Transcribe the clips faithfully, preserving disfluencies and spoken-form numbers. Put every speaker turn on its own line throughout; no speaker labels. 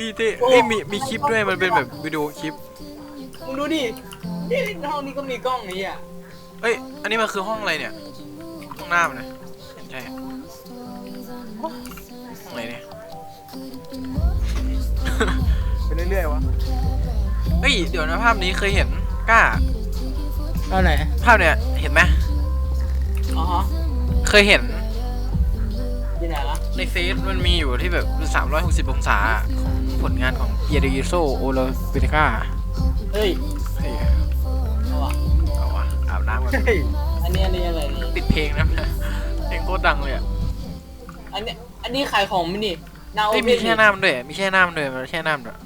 เต้เอ้ยมีมีคลิปด้วยมันเป็นแบบวิดีโอคลิป
มึงดูดินี่ห้องนี้ก็มีกล้องนี่อ่ะ
เอ้ยอันนี้มันคือห้องอะไรเนี่ยห้องน้ำนะใช่ห้องอะไรเนี่ย
ไปเรื่อยๆวะ
เฮ้ยเดี๋ยวนะภาพนี้เคยเห็นกล้า
เอาไหน
ภาพเนี่ยเห็นไหม
อ๋อฮะ
เคยเห็น
ที่ไหนล่ะ
ในเฟซมันมีอยู่ที่แบบสามร้อยหกสิบองศาของผลงานของเยเดยิโซโอโลเปเนกา
เฮ้ย
เฮ้ย
เอาวะ
เอาวะอาบน้ำกัน
อันนี้อันนี้อะไรนี่
ติดเพลงนะเพลงโคตรดังเลยอ่ะ
อันนี้อันนี้ขายของมั้ยนี่
ไม่มีแช่น้ำด้วยมีแช่น้ำด้วยมันแช่น้ำด้วย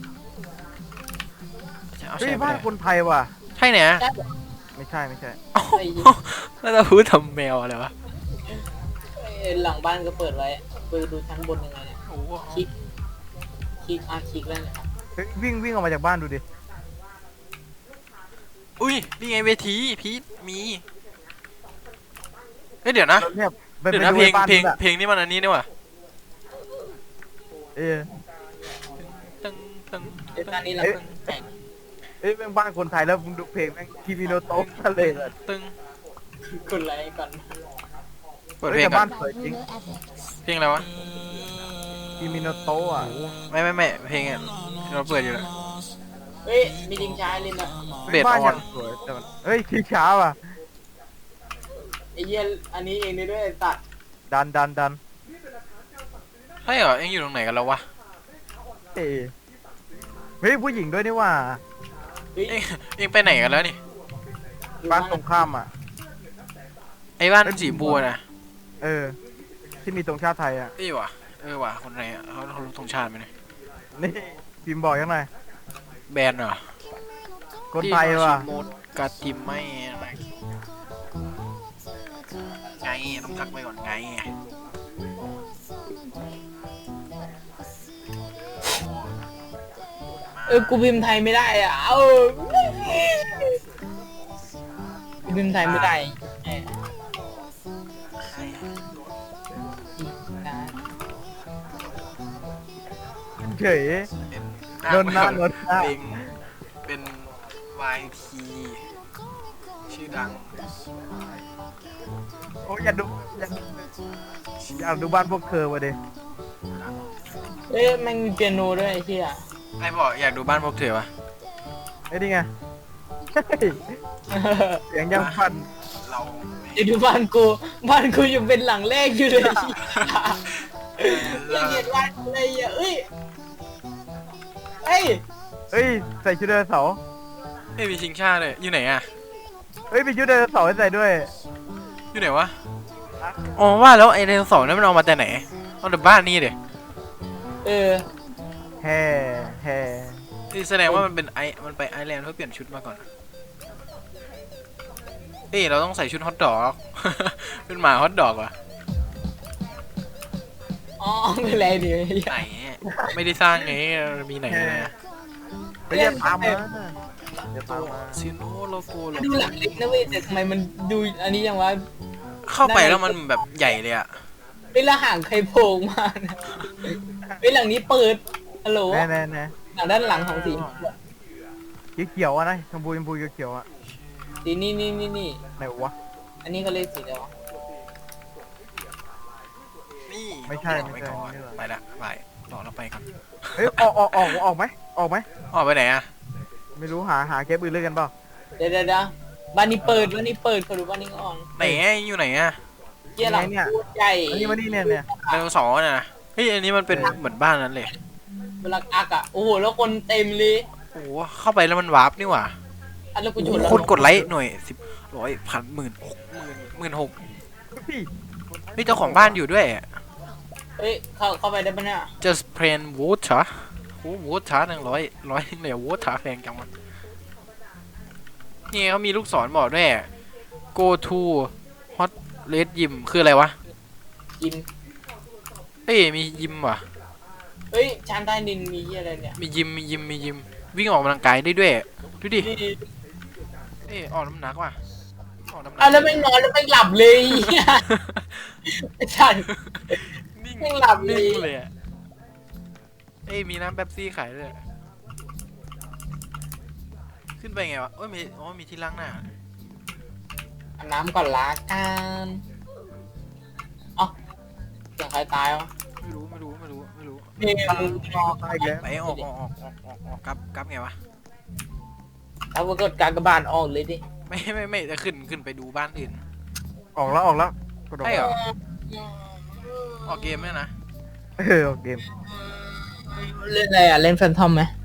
เฮ้ยบ้านคนไทยว่ะ
ใช่เนี่ย
ไม่ใช่ไม่ใช่
แล้วเราพูดทำแมวอะไรวะ
หลังบ้านก็เปิดไว้เปิดดูชั้นบนยังไงเนี่ยคลิกคลิกอาคลิกแล้วเนี่ย
วิ่งวิ่งออกมาจากบ้านดูดิ
อุ้ยนี่ไงเวทีพีทมีเฮ้ยเดี๋ยวนะเดี๋ยวนะเพลงเพลงเพลงนี่มันอันนี้นี่ว่ะ
เออ
ตึงตึง
เอ้ยตอนนี้เรา
เอ้ยเป็นบ้านคนไทยแล้วมึงดูเพลงแม่งคิมิโนโตะทะเลเลย
ตึง
กดไลค์ก่อน
เปิดเพลงก่อน
จริง
เพลงอะไรวะ
คิมิโนโตะอ่ะ
ไม่ไม่ไม่เพลงอ่ะเราเปิดอยู่แล้ว
เฮ้ยมีดิงช้าเลยนะ
เบสออน
สวยแต่มันเฮ้ยขี้ช้าว่ะ
ไอ้เหี้ยอันนี้เองด้วยตัด
ดันดันดัน
ใช่เหรอเอ็งอยู่ตรงไหนกันแล้ววะ
เอ้เฮ้ยผู้หญิงด้วยนี่ว่า
เอ็งเอ็งไปไหนกันแล้วนี่
บ้านตรงข้ามอ่ะ
ไอ้บ้านสีบัวนะ
เออที่มีตรงชาติไทยอ่ะ
เอ้ยวะเออวะคนไหนอ่ะเขาเขาตรงชาติไหมเนี่ย
นี่พิมพ์บอกยังไง
แบนเหรอ
คนไทยว่ะ
โมดกาติมไม่อะไรไงต้องทักไปก่อนไง
เออกูพิมพ์ไทยไม่ได้อ่ะเออกูพิมพ์ไทยไม่ได้
เฉยโดนหน้าโดนหน้า
เป็นเป็น วาย พี ชื่อดัง
โอ้ยอยากดูอยากอยากดูบ้านพวกเธอวะเด็ก
เอ้ยมันมีเปียโนด้วยไอ้ที่อ่ะ
ไอ้บอกอยากดูบ้านพวกเธอวะ
ไอ้นี่ไงเสียงยังฟัน
เรา
จะดูบ้านกูบ้านกูยังเป็นหลังแรกอยู่เลยละเอียดวันอะไรอ่ะเอ้ยเฮ้ย
เฮ้ยใส่ชุดไดโนเสาร์
เฮ้ยมีชิงชาเลยอยู่ไหนอ่ะ
เฮ้ยมีชุดไดโนเสาร์ให้ใส่ด้วย
อยู่ไหนวะอ๋อว่าแล้วไอ้ไดโนเสาร์นั้นมันเอามาแต่ไหนเอาแต่บ้านนี่เดี๋ย
เออ
แฮ่แฮ่
นี่แสดงว่ามันเป็นไอมันไปไอแลนด์เพื่อเปลี่ยนชุดมาก่อนเฮ้ยเราต้องใส่ชุดฮอตดอกเป็นหมาฮอตดอกว่ะ
อ๋อไม่ไรดิ
ไหนไม่ได้สร้างไงมีไหนนะ
ไปเรียกตามมาเรียกตามมา
ซิโนโลโก้
ดูหลังเล็กนะเว้ยแต่ทำไมมันดูอันนี้ยังวะ
เข้าไปแล้วมันแบบใหญ่เลยอะ
เวลาห่างใครโผล่มาเวลาหลังนี้เปิดฮัลโหล
แน่แน่แน่
หลังด้านหลังของสี
เขียวอะนะชมพูชมพูเขียวอะ
สีนี่นี่นี่นี่
ไหนวะ
อันนี้เขาเรียกสีอะไรวะ
นี่
ไม่ใช่ไม่ใช่
ไปละไปรอเราไปก่อน
เฮ้ยออกออกออกออกไหมออกไหม
ออกไปไหนอะ
ไม่รู้หาหาเก็บอื่นเลยกันเปล่า
เดี๋ยวเดี๋ยวบ้านนี้เปิดบ้านนี้เปิดเขาดูบ้านนี้อ่อน
ไหนอยู่ไหนอะ
เยี่ยหลังใหญ่
อันนี้มานี่เนี่ยเนี่ย
ไดโนเสาร์นะเฮ้ยอันนี้มันเป็นเหมือนบ้านนั้นเลย
เวลาอักอะโอ้โหแล้วคนเต็มเลย
โอ้เข้าไปแล้วมันวาร์ปนี่หว่า
อันแล้วกูชน
คนกดไลค์หน่วยสิบร้อยพันหมื่นหกหมื่นหมื่นหกนี่เจ้าของบ้านอยู่ด้วย
เฮ้ยเข้าเข้าไปได้ปะเนี่ย
just plain water โอ้ water หนึ่งร้อยร้อยหนึ่งเลย water แพงจังวะนี่เขามีลูกศรบอกด้วย go to hot red gym คืออะไรวะ
ยิม
เฮ้ยมียิมว่ะ
เฮ้ยชั้นใต้ดินมีอะไรเนี่ย
มียิมมียิมมียิมวิ่งออกกำลังกายได้ด้วยดูดิเอ้ยออกน้ำหนักว่ะ
ออกน้ำหนักอ่ะแล้วไม่นอนแล้วไม่หลับเลยไอ้ฉันนิ่งหลับเลย
เอ้ยมีน้ำเป๊ปซี่ขายด้วยขึ้นไปไงวะโอ้ยมีโอ้ยมีที่ล้างหน้า
อาบน้ำก่อนละกันเอ้าเสียงใครตายวะ
ไม่รู้ไม่รู้ไม่รู้ไม่รู้
นี่มึงรอ
ตายอีกแล้ว
ไปออกออกออกออกออกออกกลับกลับไงวะ
เอาไปกดการกระบาลออกเลยดิ
ไม่ไม่ไม่จะขึ้นขึ้นไปดูบ้านอื่น
ออกแล้วออกแล้วกดออก
ใช่เหรอออกเกมเนี่ยนะ
เออออกเกม
เล่นอะไรอ่ะ เล่นแฟนทอมไหม